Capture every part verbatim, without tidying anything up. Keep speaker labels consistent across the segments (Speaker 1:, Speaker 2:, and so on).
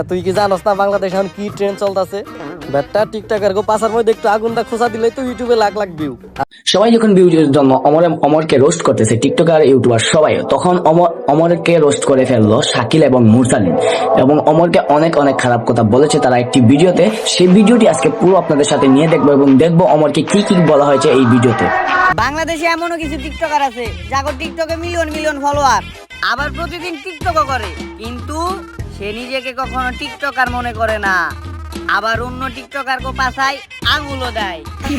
Speaker 1: তুই কি জানোস না বাংলাদেশে এখন কি ট্রেন্ড চলতেছে? ব্যাটটা টিকটকের গো পাশার মধ্যে একটু আগুনটা খোঁচা দিলেই তো ইউটিউবে লাখ লাখ ভিউ।
Speaker 2: সবাই যখন ভিউজের জন্য অমর অমরকে রোস্ট করতেছে টিকটকার ইউটিউবার সবাই, তখন অমর অমরকে রোস্ট করে ফেললো শাকিল এবং মুরসালিন এবং অমরকে অনেক অনেক খারাপ কথা বলেছে তারা একটি ভিডিওতে। সেই ভিডিওটি আজকে পুরো আপনাদের সাথে নিয়ে দেখবো এবং দেখবো অমরকে কি কি বলা হয়েছে এই ভিডিওতে।
Speaker 3: বাংলাদেশে এমনও কিছু টিকটকার আছে যাগো টিকটকে মিলিয়ন মিলিয়ন ফলোয়ার, আবার প্রতিদিন টিকটকও করে, কিন্তু সে নিজেকে কখনো টিকটকার মনে করে না, আবার অন্য টিকটকার কো পাছায় আঙুলও দেয়।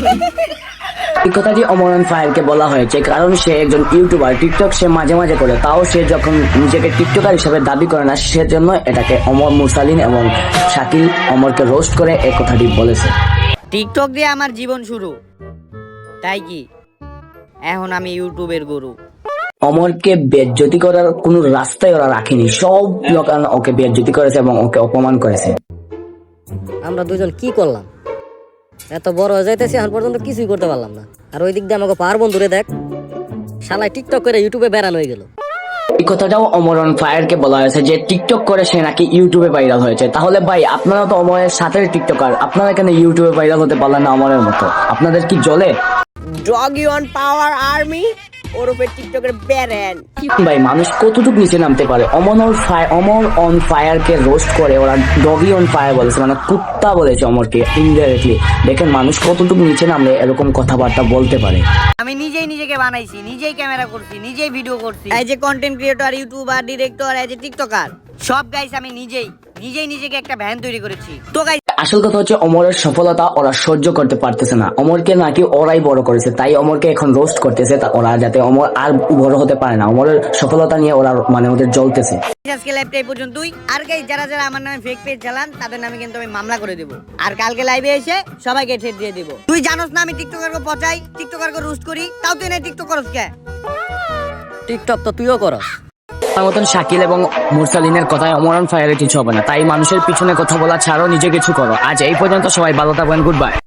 Speaker 2: এই কথাটি অমরন ফায়ারকে বলা হয়েছে কারণ সে একজন ইউটিউবার, টিকটক সে মাঝে মাঝে করে, তাও সে যখন নিজেকে টিকটকার হিসেবে দাবি করে না সেজন্য এটাকে অমর মুরসালিন এবং শাকিল অমরকে রোস্ট করে এই কথাটি বলেছে।
Speaker 3: টিকটক দিয়ে আমার জীবন শুরু, তাই কি এখন আমি ইউটিউবের গুরু।
Speaker 2: অমরকে বেজ্জতি করার কোন রাস্তায় ওরা রাখেনি, সব লোক ওকে বেজ্জতি করেছে এবং ওকে অপমান করেছে।
Speaker 4: আমরা দুজন কি করলাম? এত বড় হয়ে যাইতেছি এখন পর্যন্ত কিছুই করতে পারলাম না। আর ওই দিক দিয়ে আমাকে পার বন্ধুরে দেখ, শালাই টিকটক করে ইউটিউবে বেড়ানো হয়ে গেল।
Speaker 2: এই কথাটাও অমরন ফায়ারকে বলা হয়েছে যে টিকটক করে সে নাকি ইউটিউবে ভাইরাল হয়েছে। তাহলে ভাই আপনারা তো অমরের সাথে টিকটকার, আপনারা কেন ইউটিউবে ভাইরাল হতে পারলেন না অমরের মতো? আপনাদের কি জ্বলে?
Speaker 3: ডগি অন পাওয়ার আর্মি ওরফে টিকটকের ব্যারেন।
Speaker 2: ভাই মানুষ কতটুকু নিচে নামতে পারে? অমর ফায়ার অমর অন ফায়ারকে রোস্ট করে ওরা ডগি অন ফায়ার বলেছে, মানে কুত্তা বলেছে অমরকে ইনডাইরেক্টলি। দেখেন মানুষ কতটুকু নিচে নামলে এরকম কথাবার্তা বলতে পারে।
Speaker 3: আমি নিজেই নিজেকে বানাইছি, নিজেই ক্যামেরা করছি, নিজেই ভিডিও করছি, এই যে কন্টেন্ট ক্রিয়েটর, ইউটিউবার, ডিরেক্টর, এই যে টিকটকার, সব গাইস আমি নিজেই নিজেই নিজেকে একটা ভ্যান তৈরি করেছি। তো গাইস
Speaker 2: আসল কথা হচ্ছে অমরের সফলতা ওরা সহ্য করতে পারতেছে না। অমরকে নাকি ওরাই বড় করেছে, তাই অমরকে এখন রোস্ট করতেছে ওরা, যাতে অমর আর বড় হতে পারে না। অমরের সফলতা নিয়ে ওরা মানে ওদের জ্বলতেছে।
Speaker 3: আজকে লাইভটা এই পর্যন্তই। আর গাইস যারা যারা আমার নামে ফেক পেজ চালান তাদের নামে কিন্তু আমি মামলা করে দেব, আর কালকে লাইভে এসে সবাইকে ঠেট দিয়ে দেব। তুই জানোস না আমি টিকটকারকে পচাই, টিকটকারকে রোস্ট করি, তাও তুই না টিকটক করস কে?
Speaker 4: টিকটক তো তুইও করস।
Speaker 2: আমার মতন শাকিল এবং মুরসালিনের কথায় অমরন ফায়ারের কিছু হবে না, তাই মানুষের পিছনে কথা বলা ছাড়াও নিজে কিছু করো। আজ এই পর্যন্ত, সবাই ভালো থাকবেন, গুড বাই।